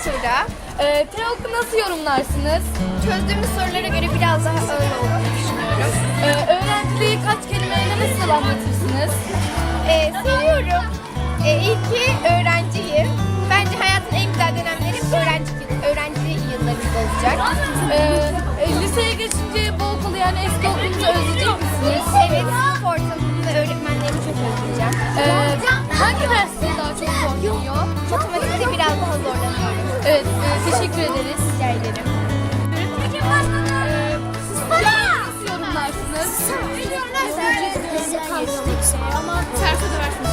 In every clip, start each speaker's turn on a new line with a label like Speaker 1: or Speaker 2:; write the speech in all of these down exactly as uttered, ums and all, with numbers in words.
Speaker 1: Tuğra.
Speaker 2: Ee, TEOK'u nasıl yorumlarsınız?
Speaker 1: Çözdüğümüz sorulara göre biraz daha ağır olduğunu düşünüyorum.
Speaker 2: Ee, öğrenciliği kaç kelimeyle nasıl anlatırsınız?
Speaker 1: Ee, seviyorum. Ee, iyi ki öğrenciyim. Bence hayatın en güzel dönemleri öğrenci, öğrenci yıllarımız olacak.
Speaker 2: Ee, e, liseye geçince bu okulu yani eski okulunuzu özleyecek misiniz?
Speaker 1: Evet, sınıf ortamını ve öğretmenlerimi çok özleyeceğim.
Speaker 2: Ee, hangi ders sizi daha çok zorluyor?
Speaker 1: Matematikte biraz daha zorlanıyorum.
Speaker 2: Evet, e, teşekkür ederiz.
Speaker 1: Rica ederim.
Speaker 2: Ee, siz nasıl yorumlarsınız?
Speaker 1: Ama ters ödersiniz.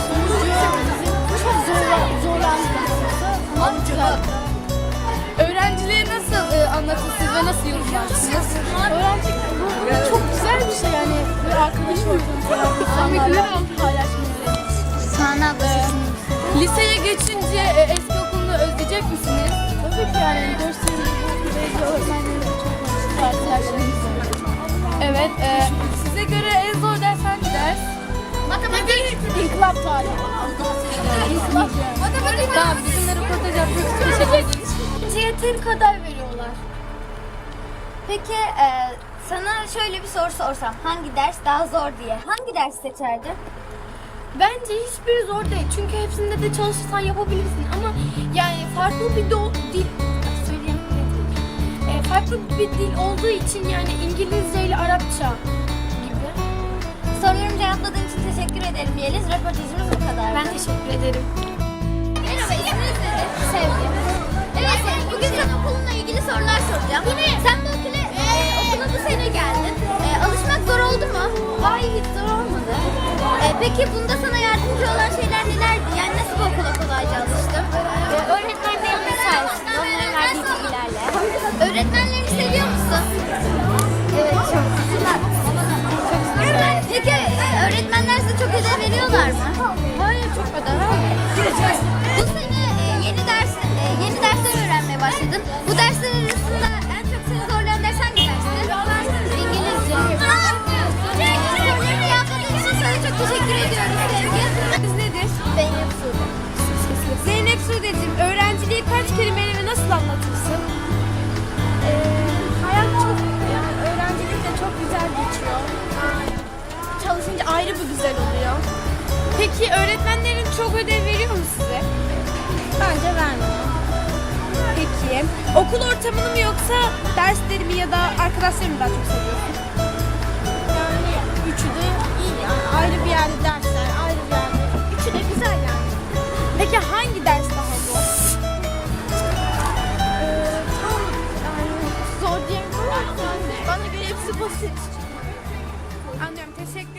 Speaker 2: Öğrenciliği nasıl e, anlatırsınız ve nasıl yorumlarsınız?
Speaker 3: Öğrencilik bu çok güzel bir şey yani. Bir arkadaş ortamı, insanlarla paylaşmayı.
Speaker 4: Sana abla
Speaker 2: Liseye geçince e, eski okulunu özleyecek misiniz?
Speaker 3: Tabii ki yani görsel bu öğretmenlerim çok arkadaşlarımız var.
Speaker 2: Evet. E, size göre en zor ders hangi ders?
Speaker 1: Matematik.
Speaker 3: İnkılap tarihi. İnkılap yani.
Speaker 1: Matematik.
Speaker 2: Tamam, bizimle röportaj yapıyoruz. Teşekkür ederiz.
Speaker 4: yeteri kadar veriyorlar. Peki e, sana şöyle bir soru sorsam, hangi ders daha zor diye, hangi ders seçerdin?
Speaker 1: Bence hiçbiri zor değil. Çünkü hepsinde de çalışırsan yapabilirsin. Ama yani farklı bir do- dil söyleyemedim. E, farklı bir dil olduğu için yani İngilizce ile Arapça gibi.
Speaker 4: Sorularımı cevapladığın için teşekkür ederim Yeliz. Röportajımız bu kadar.
Speaker 1: Ben teşekkür ederim.
Speaker 4: Merhaba, isminiz nedir? Sevgi. Evet Sevgi, bugün sana okulunla ilgili sorular soracağım. Sen bu okula, e, okula bu sene geldin. E, alışmak zor oldu mu?
Speaker 1: Hayır, hiç zor olmadı.
Speaker 4: E, peki bunda sana yardımcı olan şeyler nelerdi? Yani nasıl bu okula kolayca alıştın?
Speaker 1: E, öğretmenlerimin sayesinde, onların verdiği bilgilerle.
Speaker 4: Öğretmenlerini seviyor musun?
Speaker 1: Evet, çok.
Speaker 4: Peki e, öğretmenler size çok ödev veriyorlar mı?
Speaker 1: Hayır, çok kadar.
Speaker 4: Bu sene e, yeni ders e, yeni dersler öğrenmeye başladın. Bu dersler arasında en çok seni zorlayan ders hangi dersti? İngilizce. Sorularını yapmadığın için sana çok teşekkür ediyoruz Sevgi.
Speaker 1: Biz nedir?
Speaker 4: Zeynep Sude.
Speaker 1: Zeynep Sude'cim, öğrenciliği kaç kelimeyle ve nasıl anlatırsın? Ee, hayat çok, yani öğrencilik de çok güzel geçiyor. Çalışınca ayrı bir güzel oluyor. Peki öğretmenlerin çok ödev veriyor mu size? Bence vermiyor. Peki, okul ortamını mı yoksa derslerimi ya da arkadaşlarımı daha çok seviyorsun? Yani üçü de iyi yani. Ayrı bir yerde dersler, ayrı bir yerde. Üçü de güzel yani. Peki hangi ders daha zor? Ee, tam yani zor diyemiyorum. Bana göre hepsi basit. Anlıyorum, teşekkür